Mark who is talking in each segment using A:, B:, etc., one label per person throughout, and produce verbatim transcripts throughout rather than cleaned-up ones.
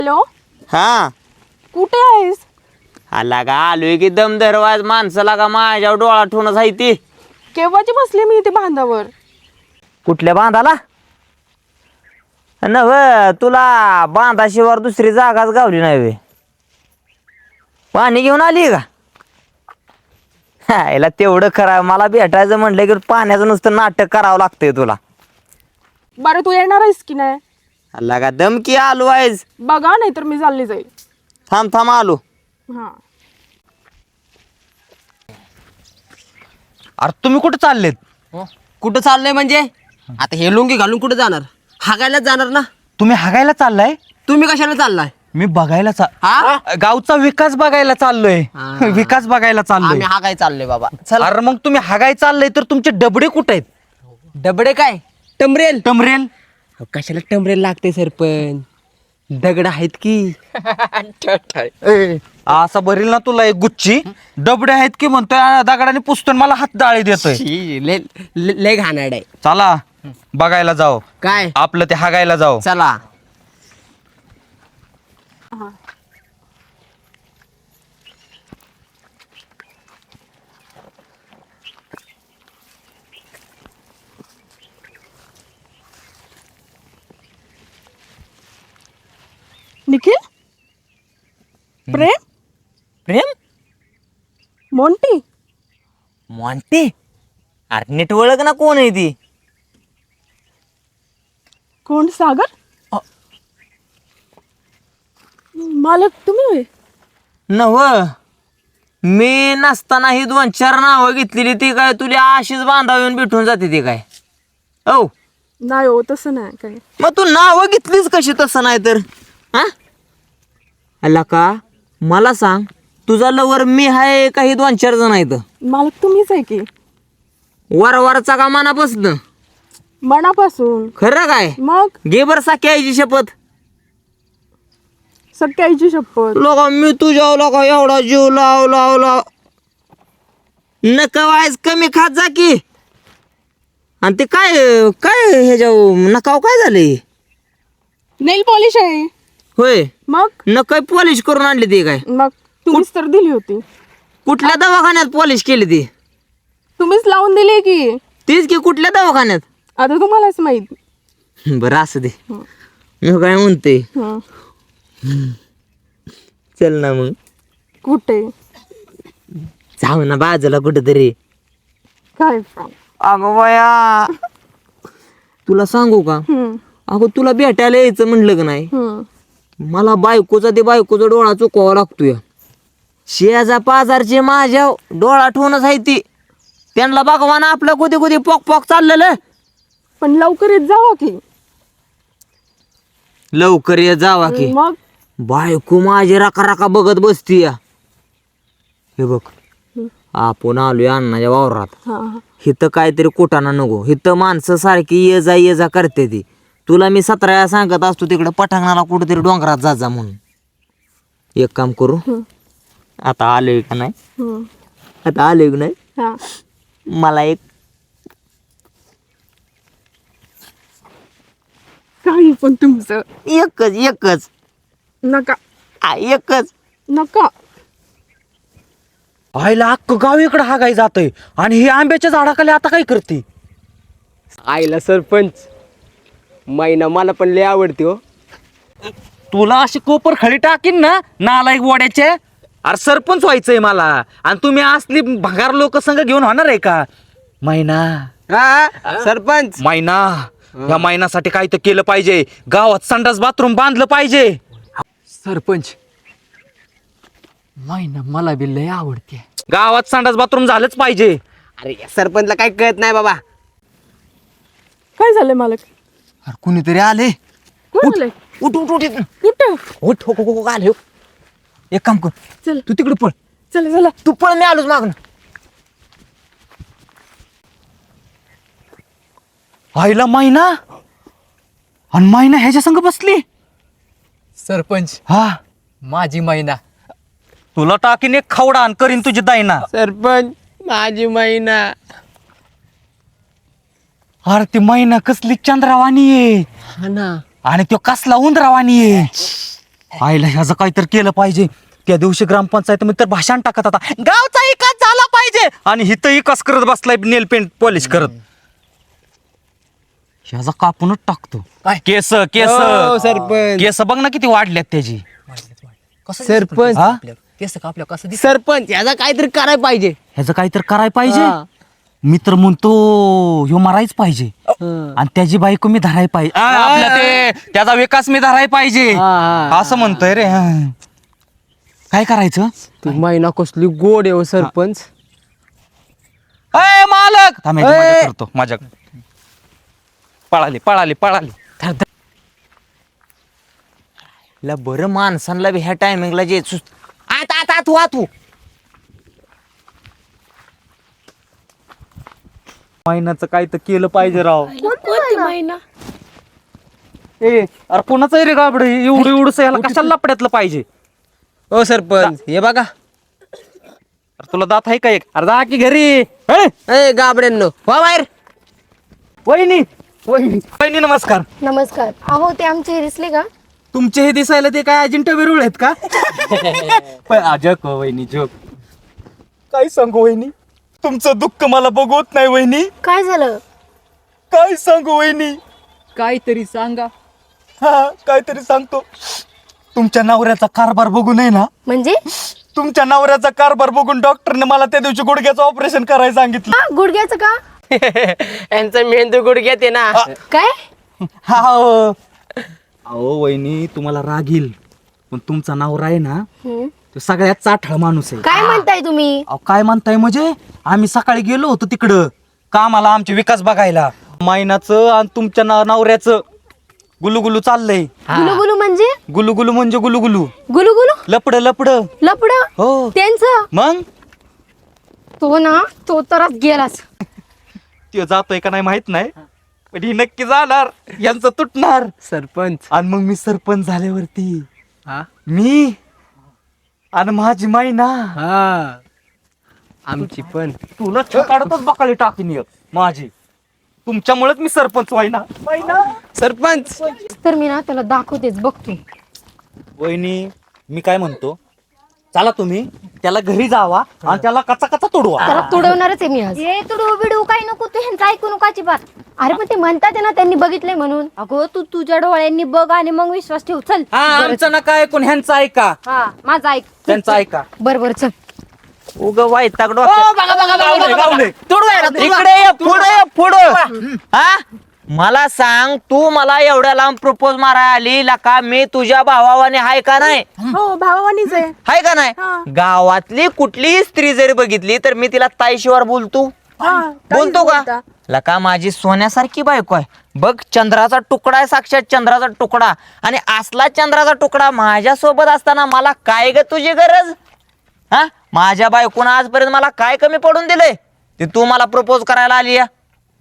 A: Hello,
B: हा
A: कुठे आहेस?
B: आला का आलोय की दम दरवाज माणसाला का माझ्यावर डोळा ठेवूनच आहे ती.
A: केव्हाची बसली मी इथे बांधावर.
B: कुठल्या बांधाला नव तुला बांधाशिवार दुसरी जागाच गावली नाही वे. पाणी घेऊन आली का? हा याला तेवढं खरं मला भेटायचं म्हटलं की पाण्याचं नुसतं नाटक करावं लागतंय तुला.
A: बरं तू येणार आहेस की नाही?
B: आला का दमकी आलो आहेस.
A: बघा नाही तर मी चालली जाईल.
B: थांब थांब आलो.
A: हा
C: अरे तुम्ही कुठे चाललेत?
D: कुठं चाललंय म्हणजे आता हे लुंगी घालून कुठं जाणार? हागायलाच जाणार ना.
C: तुम्ही हागायला चाललाय?
D: तुम्ही कशाला चाललाय?
C: मी बघायला चा
D: हा
C: गावचा विकास बघायला चाललोय.
D: हा.
C: विकास बघायला चाललोय.
D: आम्ही हागाय चाललोय बाबा. चल
C: अरे मग तुम्ही हागाय चाललंय तर तुमचे डबडे कुठे आहेत?
D: डबडे काय टमरेल?
C: टमरेल
D: अहो, कशाला टमरेल लागते सरपंच? दगड आहेत की.
C: ए, असा भरील ना तुला एक गुच्ची. डबडे आहेत की म्हणतोय आ, दगडाने पुसतोय मला हात डाळी देतोय.
D: शी, लय लय लय घाणेरडं आहे.
C: चला बघायला जाऊ.
D: काय
C: आपलं ते हागायला जाऊ.
D: चला.
A: निखिल, प्रेम,
B: प्रेम
A: मोंटी.
B: म्हणते अरे नीट ओळख ना कोण आहे ती.
A: कोण? सागर. मालक तुम्ही होय?
B: नव मी नसताना ही दोन चार नावं घेतलेली ती काय तुला अशीच बांधाव येऊन भेटून जाते ती काय? औ
A: नाही हो, तसं नाही काय.
B: मग तू नावं घेतलीच कशी तसं नाही तर हा? अला का मला सांग तुझा लवर मी आहे काही दोन चार जण आहेत?
A: मालक तुम्हीच आहे की.
B: वर वरचा का मनापासून
A: मनापासून.
B: खरं काय?
A: मग
B: घे बर साख्याची शपथ.
A: सख्याईची शपथ.
B: लोक मी तुझ्या लोक एवढा जीव लाव लाव लाव नका वायच कमी खात जा की. आणि ते काय काय ह्याच्या नकाव काय झाले?
A: नेल पॉलिश आहे.
B: होय
A: मग
B: नका पॉलिश करून आणली ती काय?
A: मग तुम्हीच तर दिली होती.
B: कुठल्या दवाखान्यात पॉलिश केली ती?
A: तुम्हीच लावून दिली की.
B: तीच की कुठल्या दवाखान्यात?
A: आता तुम्हालाच माहित.
B: बरं असू दे. मी काय म्हणते
A: हं.
B: चल ना मग
A: कुठे?
B: जाऊ ना बाजूला कुठेतरी.
A: काय?
B: अगं बया तुला सांगू का?
A: हं,
B: अगं तुला भेटायला यायचं म्हणलं का नाही
A: हं.
B: मला बायकोचा ते बायकोचा डोळा चुकवावा लागतोय. शेजा पाजारचे माझ्या डोळा ठेवूनच आहे ती. त्यांना बघवा ना आपलं कुठे कुठे पॉक पॉक चाललेलं.
A: पण लवकर येत जावा की.
B: लवकर ये जावा की.
A: मग
B: बायको माझी राका राका बघत बसती या. हे बघ आपण आलोय अण्णाच्या वावरात.
A: हा
B: हिथं काहीतरी कुटाणा नको. हिथं माणसं सारखी ये जा ये जा करते ती. तुला मी सतरा वेळा सांगत असतो तिकडं पठांगणाला कुठेतरी डोंगरात जा जा म्हणून. एक काम करू आता आलोय का नाही?
A: हं.
B: आता आलोय का नाही?
A: हा
B: मला एक
A: काही पण तुमचं.
B: एकच एकच
A: नका
B: आ, एकच
A: नका.
C: आईला अख्खं गाव इकडे हागाय जातंय आणि ही आंब्याच्या झाडाखाली आता काय करते?
D: आईला सरपंच मैना मला पण लय आवडते हो.
C: तुला अशी कोपर खळी टाकीन ना नालायक वड्याचे. अरे सरपंच व्हायचंय मला आणि तुम्ही असली भंगार लोक संघ घेऊन होणार आहे का? मैना
D: हा सरपंच
C: मैना या मैनासाठी काय तर केलं पाहिजे. गावात संडास बाथरूम बांधलं पाहिजे.
E: सरपंच मैना मला बी लय आवडते.
C: गावात संडास बाथरूम झालंच पाहिजे.
D: अरे या सरपंचला काय कळत नाही बाबा.
A: काय झालंय मालक?
C: अरे कुणीतरी आले.
A: कोण आलंय?
C: उठ उठ उठ इथनं.
A: कुठं?
C: उठ हो हो हो आले हो. एक काम कर
A: चल
C: तू तिकडे पळ.
A: चला चला.
B: तू पण मी आलोच मागणं.
C: आईला मैना आणि मैना ह्याच्या संग बसली.
E: सरपंच
C: हा
E: माझी मैना.
C: तुला टाकीन एक खवडा आणि करीन तुझी दाईना.
D: सरपंच माझी मैना.
C: अरे ती मैना कसली चंद्रावानी आहे
D: हा ना.
C: आणि तो कसला उंदरावानी आहे. आईला ह्याचं काहीतरी केलं पाहिजे. त्या दिवशी ग्रामपंचायतीमध्ये तर भाषण टाकत होता, गावचा विकास झाला पाहिजे, आणि हिथं विकास करत बसलाय नेल पेंट पॉलिश करत. ह्याचा कापूनच टाकतो. केस केस
D: हो, सरपंच.
C: केस बघ ना किती वाढल्यात त्याची.
E: कसं
D: सरपंच.
C: हा?
E: केस कापल्या कसं दिसत
D: सरपंच याचा काहीतरी करायला पाहिजे.
C: ह्याचं काहीतरी करायला पाहिजे.
D: हा.
C: मी तर म्हणतो ह्यो मरायच पाहिजे,
D: हा.
C: आणि त्याची बायको मी धराय पाहिजे. आ, आपल्या ते त्याचा विकास मी धराय पाहिजे
D: हा, हा.
C: असं म्हणतोय रे. हा. काय करायचं?
D: तू महिना कसली गोड आहे हो सरपंच.
C: अय मालक थांब, ह्याची
D: अय.
C: मजा करतो माझ्या. पळाली पळाली पळाली.
B: ला बरं माणसांना बी ह्या टायमिंगला जे सुस्त आत आत आत वा तू.
C: महिन्याचं काय तर केलं पाहिजे राव.
A: कोणती महिना?
C: ए अरे कोणाचं आहे रे गाबड, एवढं एवढं याला कशाला लपड्यातलं पाहिजे.
D: हो सरपंच हे बघा.
C: अरे तुला दात आहे का एक? अरे जा की घरी. ए,
D: ए गाबड्यांनो वा बाहेर.
C: वहिनी वहिनी वहिनी नमस्कार.
F: नमस्कार. अहो ते आमचे रिसले का?
C: तुमचे हे दिसायला ते काय अजिंठा वेरूळ आहेत का? जग वहिनी जग. काय सांगू वहिनी, तुमचं दुःख मला बघवत नाही वहिनी.
F: काय झालं?
C: काय सांगू वहिनी.
E: काहीतरी सांगा.
C: हा काहीतरी सांगतो. तुमच्या नवऱ्याचा कारभार बघून आहे ना,
F: म्हणजे?
C: तुमच्या नवऱ्याचा कारभार बघून डॉक्टरने मला त्या दिवशी गुडघ्याचं ऑपरेशन करायला सांगितलं.
F: हा, गुडघ्याचं का?
D: यांचा मेंदू गुडघ्यात आहे ना.
F: काय?
C: हा हो. अहो वहिनी तुम्हाला राग येईल, पण तुमचा नवरा आहे ना
F: हम्म.
C: तो सगळ्यात चाठळ माणूस आहे.
F: काय म्हणताय तुम्ही?
C: अहो काय म्हणताय म्हणजे, आम्ही सकाळी गेलो होतो तिकडं कामाला आमचे विकास बघायला. महिन्याचं आणि तुमच्या ना- नवऱ्याचं गुलुगुलू चाललंय.
F: गुलुगुलू म्हणजे?
C: गुलुगुलू म्हणजे गुलुगुलू
F: गुलुगुलू
C: लपड लपड.
F: लपड
C: हो
F: त्यांचं?
C: मग
F: तो ना तो तरच गेलाच.
C: तो जातोय का नाही माहित नाही, पण ही नक्की जाणार, यांचं तुटणार.
D: सरपंच
C: आणि मग मी सरपंच झाल्यावरती
D: हा
C: मी आणि माझी मायना
D: हा आमची पण.
C: तुला काढतच बकाली टाकीन एक माझी. तुमच्यामुळेच मी सरपंच व्हायना.
D: सरपंच
F: तर मी ना त्याला दाखवतेच, बघतो.
C: वहिनी मी काय म्हणतो, चला तुम्ही त्याला घरी जावा आणि त्याला कचा कचा तोडवा.
F: त्याला तुडवणारच आहे मी आज.
G: ए तुडू बिडू काय नको तू ह्यांचं ऐकू नको अजिबात.
F: अरे पण ते म्हणतात आहे ना, त्यांनी बघितलंय म्हणून.
G: अगो तू तुझ्या डोळ्यांनी बघ आणि मग विश्वास ठेव. चल
C: हा आमचं नका ऐकून ह्यांचं ऐका,
G: हा माझा ऐक.
C: त्यांचं ऐका.
F: बर बर चल.
B: उग वाईटाक
C: गावलंय, गावलंय.
B: इकडे ये, पुढे ये, पुढं. हा मला सांग, तू मला एवढ्या लांब प्रपोज मारायला आली का? मी तुझ्या भावाने हाय का नाही?
A: हो भावानीच आहे.
B: हाय का नाही? गावातली कुठलीही स्त्री जरी बघितली तर मी तिला ताईशिवार बोलतो.
A: हा,
B: बोलतो
A: काहीच
B: का?
A: बोलता.
B: लका माझी सोन्यासारखी बायको आहे बघ, चंद्राचा तुकडा आहे, साक्षात चंद्राचा तुकडा. आणि असला चंद्राचा तुकडा माझ्या सोबत असताना मला काय ग तुझी गरज? हा माझ्या बायकोनं आजपर्यंत मला काय कमी पडून दिलंय ते तू मला प्रपोज करायला आली या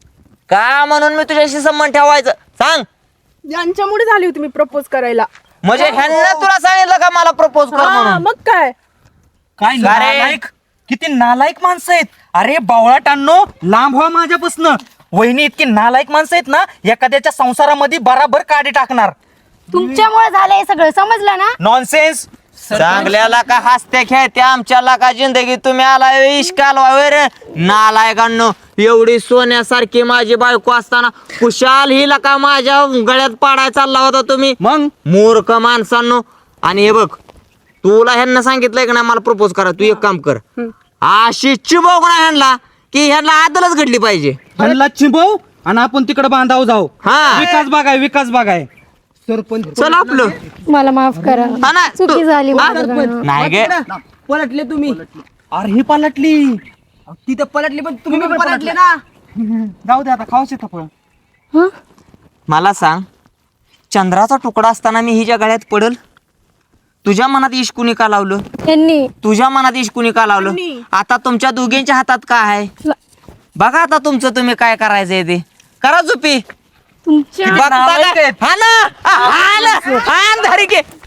B: का? म्हणून मी तुझ्याशी संबंध ठेवायचं सांग.
A: यांच्यामुळे झाली होती मी प्रपोज करायला.
B: म्हणजे ह्यांना तुला सांगितलं का मला प्रपोज कर
A: हा,
B: म्हणून?
A: मग काय?
C: काय
B: का रे?
C: नालायक, किती नालायक माणसं आहेत. अरे बावळाटांनो लांब व्हा माझ्यापासनं. वहिनी इतकी नालायक माणसं आहेत ना, एखाद्याच्या संसारामध्ये बराबर काढी टाकणार.
F: तुमच्यामुळे झालंय सगळं, समजलं ना?
C: नॉनसेन्स.
B: चांगल्याला का हसत्या खेळत्या आमच्याला का जिंदगी तुम्ही आला इश्काल रे नालायकांनो. एवढी सोन्यासारखी माझी बायको असताना कुशाल हिला का माझ्या गळ्यात पाडाय चालला होता तुम्ही?
C: मग
B: मूर्ख माणसांनो. आणि हे बघ, तुला ह्यांना सांगितलंय का नाही मला प्रपोज करा? तू एक काम कर, अशी चिबव ना ह्यांना की ह्यांना आदलच घडली पाहिजे.
C: ह्यांना चिंबव आणि आपण तिकडे बांधाव जाऊ.
B: हा.
C: विकास बागाय विकास बागाय.
D: सरपंच
B: चल आपलं.
F: मला माफ करा,
B: हा ना, तू-
F: चुकी झाली
B: हा?
F: माझ्याकडनं.
B: नाही गे
D: पलटले तुम्ही.
C: अरे ही पालटली.
D: तिथं पलटली पण तुम्ही पण पलटले ना.
C: जाऊ दे आता, खाऊच येतं फळ.
F: हं?
B: मला सांग, चंद्राचा तुकडा असताना मी हिच्या गळ्यात पडल? तुझ्या मनात इश्क कुणी का लावलं?
F: यांनी
B: तुझ्या मनात इश्क कुणी का लावलं? आता तुमच्या दोघींच्या हातात काय आहे? बघा आता तुमचं तुम्ही काय करायचंय ते करा. झोपी
F: तुमच्या
B: बघता का? हा ना, हा ना, हा ना, धारी घे.